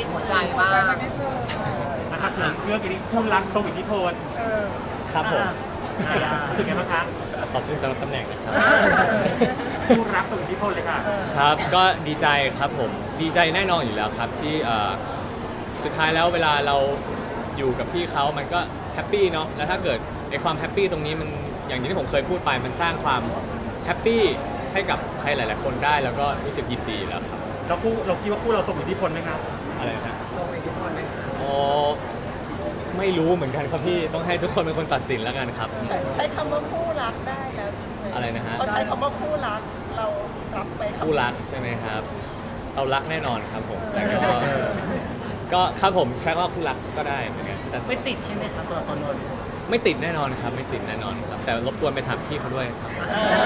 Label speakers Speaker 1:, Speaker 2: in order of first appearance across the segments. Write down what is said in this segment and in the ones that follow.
Speaker 1: หัวใจบ้างสักนิดนึง
Speaker 2: นะครับถึงเรื่องนี้คู่รักทรงอิทธิพล
Speaker 3: ครับผม
Speaker 2: รู้สึกไงบ้างคะ
Speaker 3: ขอบคุณสำหรับตำแหน่งนะครับ
Speaker 2: คู่รักทรงอิทธิพลเลยค่ะ
Speaker 3: ครับก็ดีใจครับผมดีใจแน่นอนอยู่แล้วครับที่สุดท้ายแล้วเวลาเราอยู่กับพี่เขามันก็แฮปปี้เนาะแล้วถ้าเกิดไอความแฮปปี้ตรงนี้มันอย่างที่ผมเคยพูดไปมันสร้างความแฮปปี้ให้กับใครหลาย ๆ คนได้แล้วก็รู้สึกยินดีแล้วครับ
Speaker 2: เราคิดว่าคู่เราทรงอิทธิพลไหมครับ
Speaker 3: อะไรนะ
Speaker 1: ทรงอิทธิพลไหมคะ
Speaker 3: อ๋อไม่รู้เหมือนกันครับพี่ต้องให้ทุกคนเป็นคนตัดสินแล้วกันครับ
Speaker 4: ใช้คำว่าคู่รักได้แล้วใช่ไหม
Speaker 3: อะไรนะฮะ
Speaker 4: เขาใช้คำว่าคู่รักเรารับไป
Speaker 3: คู่รักใช่ไหมครับเรารักแน่นอนครับผมแต่ก็ครับผมใช้ว่าคู่รักก็ได้เหมือนกันแต่
Speaker 4: ไม่ติดใช่ไหมคะสำหรับตัวนนท์
Speaker 3: ไม่ติดแน่นอนครับไม่ติดแน่นอนครับแต่รบกวนไปถามพี่เขาด้วยครับ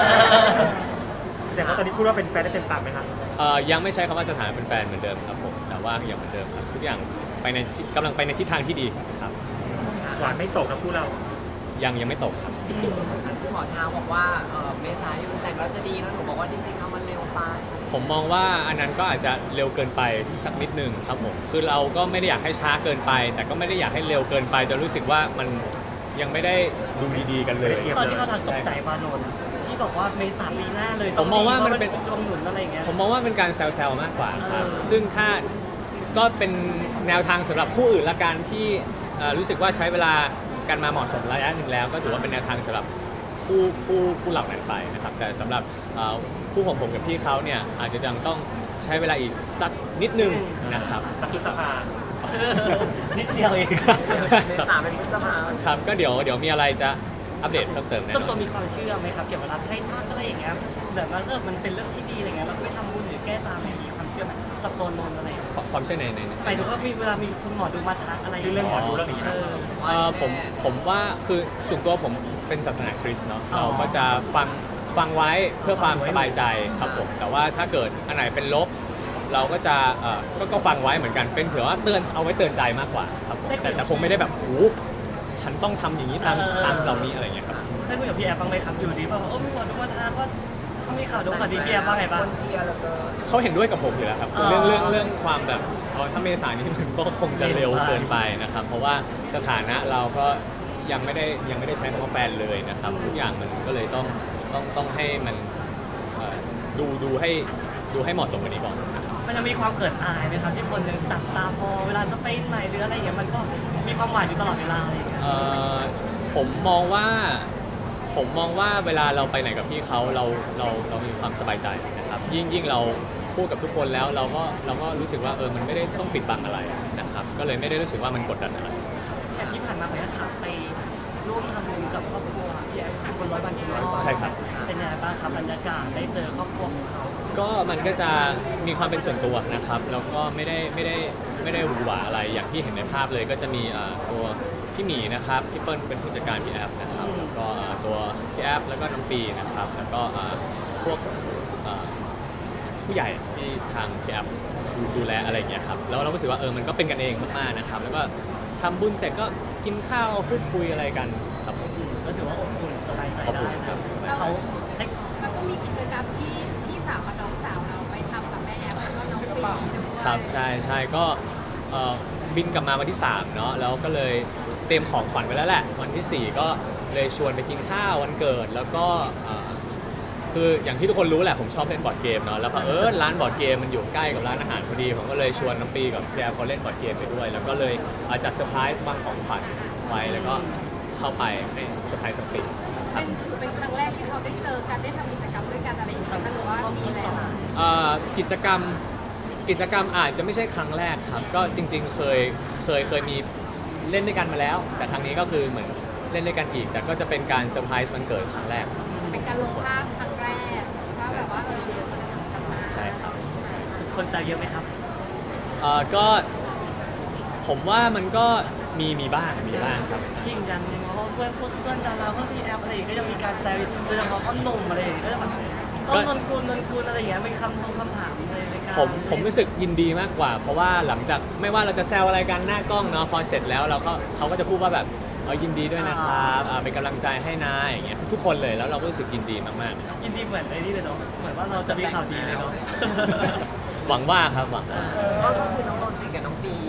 Speaker 2: แต่ว่าตอนนี้คู่เราเป็นแฟนได้เต็มปากไหมครับ
Speaker 3: ยังไม่ใช้คำว่าสถานะเป็นแฟนเหมือนเดิมครับผมแต่ว่ายังเหมือนเดิมครับทุกอย่างไปในกำลังไปในทิศทางที่ดีครับ
Speaker 2: หวานไม่ตกนะคู่เรา
Speaker 3: ยังไม่ตกครับ
Speaker 1: คุณหมอช้างบอกว่าเมษายนแต่งแล้วจะดีแล้วหนูบอกว่าจริงๆแล้วมันเร็วไป
Speaker 3: ผมมองว่าอันนั้นก็อาจจะเร็วเกินไปสักนิดนึงครับผมคือเราก็ไม่ได้อยากให้ช้าเกินไป แต่ก็ไม่ได้อยากให้เร็วเกินไปจนรู้สึกว่ามันยังไม่ได้ดูดีๆกันเลย
Speaker 4: ตอนที่เขาทางตกใจปานนท์ที่บอกว่าเมษาปีหน้าเลย
Speaker 3: ผมมองว่ามันเป็น
Speaker 4: ดวงหนุนอะไรอย่างเงี้ย
Speaker 3: ผมมองว่าเป็นการแซวๆมากกว่าครับ
Speaker 4: เออ
Speaker 3: ซึ่งถ้าก็เป็นแนวทางสำหรับคู่อื่นละกันที่รู้สึกว่าใช้เวลากันมาเหมาะสมระยะหนึ่งแล้ว ก็ถือว่าเป็นแนวทางสำหรับคู่เหล่านั้นไปนะครับแต่สำหรับคู่ของผมกับพี่เขาเนี่ยอาจจะยังต้องใช้เวลาอีกสักนิดนึงนะครับ
Speaker 2: ตักคือสภา
Speaker 4: นิดเดียวเอง
Speaker 1: เมษาเป็นพฤษภา
Speaker 3: ครับก็เดี๋ยวมีอะไรจะอัปเดตเพิ่มเติมแน่
Speaker 4: ต้น
Speaker 3: น
Speaker 4: ตั
Speaker 3: อ
Speaker 4: วน มีความเชื่อไหมครับเกี่ยวกับรักใช้ทักอะไรอย่างเงี้ยแบบว่ามันเป็นเรื่องที่ดีอะไรเงี้ยเราก็ไปทำบุญหรือแก้ตามเนี่ยมีความเชื่อไหมกับตัวนนท์อะไรอย่างเงี้ย
Speaker 3: ความเชื่อใน
Speaker 4: หมายถึงว่ามีเวลามีคุณหมอดูมาทักอะไรย่า
Speaker 2: ชื่อเรื่องหมอดูเรื่องนี้นะ
Speaker 3: ผมว่าคือส่วนตัวผมเป็นศาสนาคริสต์เนาะ
Speaker 4: อ๋อ
Speaker 3: เราก็จะฟังไว้เพื่อความสบายใจครับผมแต่ว่าถ้าเกิดอันไหนเป็นลบ เราก็จะก็ฟังไว้เหมือนกันเป็นเผื่อว่าเตือนเอาไว้เตือนใจมากกว่าครับผมแต่คงไม่ได้แบบโอ้ฉันต้องทำอย่างนี้ตามเหล่านี้อะไรอย่างเงี้ยครับ
Speaker 4: ได้คุยกับพี่แอฟบ้างไหมครับอยู่ดีแบบว่ามีหมอดูมาทักว่าเขามีข่าวดูข่าวดีพี่แอฟบ้างไงบ้าง
Speaker 1: คนเชียร์เหลือเกิน
Speaker 3: เขาเห็นด้วยกับผมอยู่แล้วครับ
Speaker 4: อ๋อ
Speaker 3: เรื่องความแบบถ้าเมษายนนี้มันก็คงจะเร็วเกินไปนะครับ เพราะว่าสถานะเราก็ยังไม่ได้ใช้คำว่าแฟนเลยนะครับทุกอย่างมันก็เลยต้องให้มันดูให้เหมาะสมกว่านี้ก่อนนะครับ
Speaker 4: มันจะมีความเขินอายไหมครับที่คนหนึงจับตามองเวลาจะไปไหนหรืออะไรอย่างเงี้ยมันก็มีความหมายอยู่ตลอดเวลาอะไรอย่างเงี้ย
Speaker 3: ผมมองว่าเวลาเราไปไหนกับพี่เขาเรามีความสบายใจนะครับยิ่งเราพูดกับทุกคนแล้วเราก็รู้สึกว่ามันไม่ได้ต้องปิดบังอะไรนะครับก็เลยไม่ได้รู้สึกว่ามันกดดันอะไร
Speaker 4: แต่ที่ผ่านมาผมจะถามไปร่วมทำบุญกับครอบครัวพี่แอฟที่บน100 วันกิโล
Speaker 3: ใช่ครับ
Speaker 4: เป็นยังไงบ้างครับบรรยากาศได้เจอครอบครัวของเขา
Speaker 3: ก็มันก็จะมีความเป็นส่วนตัวนะครับแล้วก็ไม่ได้หวือหวาอะไรอย่างที่เห็นในภาพเลยก็จะมีตัวพี่หมีนะครับพี่เปิ้ลเป็นผู้จัดการพี่แอฟนะครับแล้วก็ตัวพี่แอฟแล้วก็น้องปีนะครับแล้วก็พวกผู้ใหญ่ที่ทางพี่แอฟดูแลอะไรอย่างเงี้ยครับแล้วเราก็รู้สึกว่ามันก็เป็นกันเองมากๆนะครับแล้วก็ทำบุญเสร็จก็กินข้าวพูดคุยอะไรกันครับผม
Speaker 4: ก็ถือว่าอบอุ่นสบายใจ
Speaker 3: อบ
Speaker 4: ได้
Speaker 3: อุ่น
Speaker 4: นะ
Speaker 3: ครับสบายใจ
Speaker 4: เขาให้
Speaker 5: แล้วก็มีกิจกรรมที่พี่สาวกับน้องสาวเราไปทำกับแม่แอฟแล้วก็น้องปีด้วย
Speaker 3: ครับใช่ก็บินกลับมาวันที่3เนาะแล้วก็เลยเตรียมของขวัญไว้แล้วแหละวันที่ 4 ก็เลยชวนไปกินข้าววันเกิดแล้วก็คืออย่างที่ทุกคนรู้แหละผมชอบเล่นบอร์ดเกมเนาะแล้วร้านบอร์ดเกมมันอยู่ใกล้กับร้านอาหารพอดีผมก็เลยชวนน้องปีกับพี่แอฟเขาเล่นบอร์ดเกมไปด้วย แล้วก็เลยจัดเซอร์ไพรส์วางของขวัญไว้แล้วก็เข้าไปให้เซอร์ไพรส์สปีครับ
Speaker 5: ถือเป็นครั้งแรกที่เขาได้เจอกันได้ทำกิจกรรมด้วยกันอะไรอย่างเงี้ยหรือว่ามีแล้ว
Speaker 3: กิจกรรมอาจจะไม่ใช่ครั้งแรกครับก็จริงๆเคยมีเล่นด้วยกันมาแล้ว แต่ครั้งนี้ก็คือเหมือนเล่นด้วยกันอีก แต่ก็จะเป็นการเซอร์ไพรส์วันเกิดครั้งแรก
Speaker 5: เป็นการลงภาพครั้งแรกว่าแบบว่าสนิทกันมา
Speaker 3: ใช่ครับ
Speaker 4: คนแซวเยอะไหมครับ
Speaker 3: ก็ผมว่ามันก็มีบ้างครับ
Speaker 4: ชิงยังยังเพราะเพื่อนดาราเพื่อนพี่แอฟอะไรอย่างเงี้ยก็จะมีการแซวโดยเฉพาะพ่อหนุ่มอะไรอย่างเงี้ยก็จะแบบต้นนนกุลอะไรอย่างเงี้ยมีคำถามอะไรในการ
Speaker 3: ผมรู้สึกยินดีมากกว่า เพราะว่าหลังจากไม่ว่าเราจะแซวอะไรกันหน้ากล้องเนาะพอเสร็จแล้วเขาก็จะพูดว่าแบบยินดีด้วยนะครับเป็นกำลังใจให้นะอย่างเงี้ยทุกคนเลยแล้วเราก็รู้สึกยินดีมากๆ
Speaker 4: ยินดีเหมือนไอ้นี่เลยเนาะเหมือนว่าเราจะมีข่าวดีเลยเนาะ
Speaker 3: หวังว่าครับหวังว่า
Speaker 1: ก็คือน้องนนท์สนิทกับน้องปี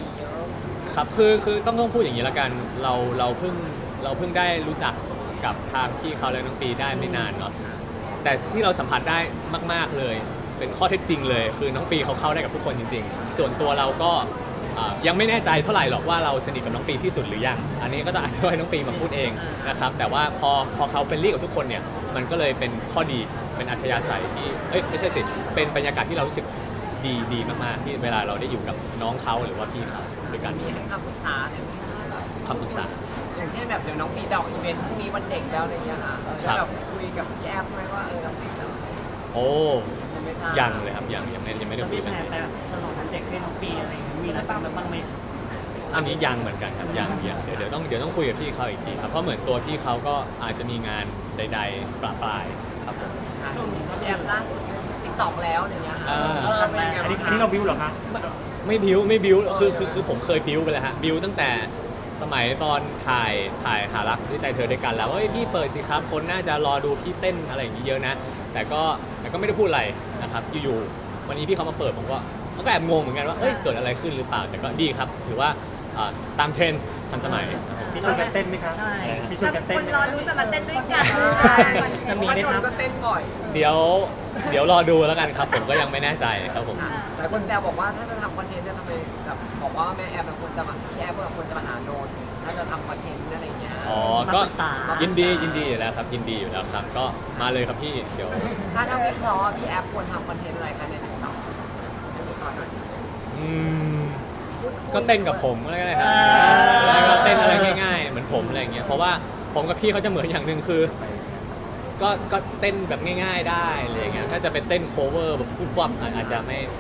Speaker 3: ครับคือต้องพูดอย่างนี้ละกันเราเพิ่งได้รู้จักกับทางพี่เขาและน้องปีได้ไม่นานเนาะแต่ที่เราสัมผัสได้มากๆเลยเป็นข้อเท็จจริงเลยคือน้องปีเขาเข้าได้กับทุกคนจริงๆส่วนตัวเราก็ยังไม่แน่ใจเท่าไหร่หรอกว่าเราสนิทกับน้องปีที่สุดหรือยังอันนี้ก็ต้องอาจจะให้น้องปีมาพูดเองนะครับแต่ว่าพอเขาเฟรนลี่กับทุกคนเนี่ยมันก็เลยเป็นข้อดีเป็นอัธยาศัยที่ไม่ใช่สิเป็นบรรยากาศที่เรารู้สึกดีมากๆที่เวลาเราได้อยู่กับน้องเขาหรือว่าพี่เขาด้วยกัน
Speaker 1: มีให้คำปรึกษาเนี่ย
Speaker 3: คำปรึกษา
Speaker 1: อย่างเช่นแบบเดี๋ยวน้องปีจะออกอีเวนต์พรุ่งนี้วันเด็กแล้วอะไรเงี้ยค่ะ
Speaker 3: ครับ
Speaker 1: แบบคุยกับพี่แอฟไหมว่าน้องปีจะ
Speaker 3: โอ้
Speaker 1: ไม่ทราบ
Speaker 3: ยังเลยครับยังไม่ได้
Speaker 4: แล้ว
Speaker 3: คุ
Speaker 4: มี
Speaker 3: ย
Speaker 4: แผ
Speaker 3: กัน
Speaker 4: นไปแบบฉลองวันเด็กให้น้องปีอะไรอย่างเงี้ยมีนัดตามแล้วบ้างไหม
Speaker 3: อันนี้ยังเหมือนกันครับยังเดี๋ยวต้องคุยกับพี่เขาอีกทีครับเพราะเหมือนตัวพี่เขาก็อาจจะมีงานใดๆประปรายครับผม
Speaker 1: ช่วงนี้พี่แอฟล่าสุดติ๊กต็อกแล้วอย่างเงี้ยค่ะ เป็นไง
Speaker 2: อันนี้
Speaker 1: บ้าง
Speaker 2: เราบิวเหรอคะ
Speaker 3: ไม่บิ้วคือผมเคยบิ้วไปแล้วฮะบิ้วตั้งแต่สมัยตอนถ่ายหารักด้วยใจเธอด้วยกันแล้วว่าพี่เปิดสิครับคนน่าจะรอดูพี่เต้นอะไรอย่างนี้เยอะนะแต่ก็ไม่ได้พูดอะไรนะครับอยู่ๆวันนี้พี่เขามาเปิดผมก็แอบงงเหมือนกันว่าเกิดอะไรขึ้นหรือเปล่าแต่ก็ดีครับถือว่าตามเทรนด์ทันสมัยครับผม
Speaker 2: มีชวนกันเต้นไหมคะ
Speaker 4: ใช่
Speaker 2: มีชวนกันเต้น
Speaker 6: คน
Speaker 2: ไหม
Speaker 6: รอ
Speaker 2: คะ
Speaker 6: ดูจะมาเต้นด้วยกัน
Speaker 4: จะมีไหมครับ
Speaker 1: ก็เต้นบ่อย
Speaker 3: เดี๋ยวรอดูแล้วกันครับผมก็ยังไม่แน่ใจครับผม
Speaker 1: หลายคนแซวบอกว่าถ้าจะทำคอนเทนต์เนี่ยทำไมแบบบอกว่าแม่แอฟควรจะมาพี่แอฟควรจะมาหาโดนถ้าจะทำคอนเทนต์อะไรเงี้ย
Speaker 3: อ๋อ
Speaker 4: มา
Speaker 3: ก็
Speaker 4: ปรึกษา
Speaker 3: ยินดีอยู่แล้วครับยินดีอยู่แล้วครับก็มาเลยครับพี่เดี๋ยว
Speaker 1: ถ้าวิเคราะห์พี่แอฟควรทำคอนเทนต์อะไรคะในติ๊กต็อกให้วิเคราะห์หน่อย
Speaker 3: อืมก็เต้นกับผมก็ได้ครับแล้วก็เต้นอะไรง่ายๆเหมือนผมอะไรอย่างเงี้ยเพราะว่าผมกับพี่เขาจะเหมือนอย่างหนึ่งคือ ก็เต้นแบบง่ายๆได้อะไรอย่างเงี้ยถ้าจะเป็นเต้นโคเวอร์แบบฟุ่มๆอาจจะ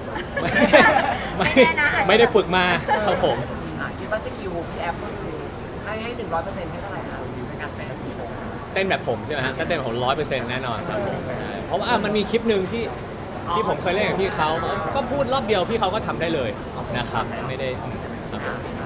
Speaker 3: ไม่ได้ฝึกมาครับผม
Speaker 1: คิดว่าสกิลพี่แอฟก็คือให้100%ให้เท่าไหร่คะในการเต้น
Speaker 3: เต้นแบบผมใช่ไหมฮะถ้าเต้นแบบผม100%แน่นอนครับผมใช่เพราะว่ามันมีคลิปหนึ่งที่ผมเคยเล่นกับพี่เขาก็พูดรอบเดียวพี่เขาก็ทำได้เลยนะครับไม่ได้ครับ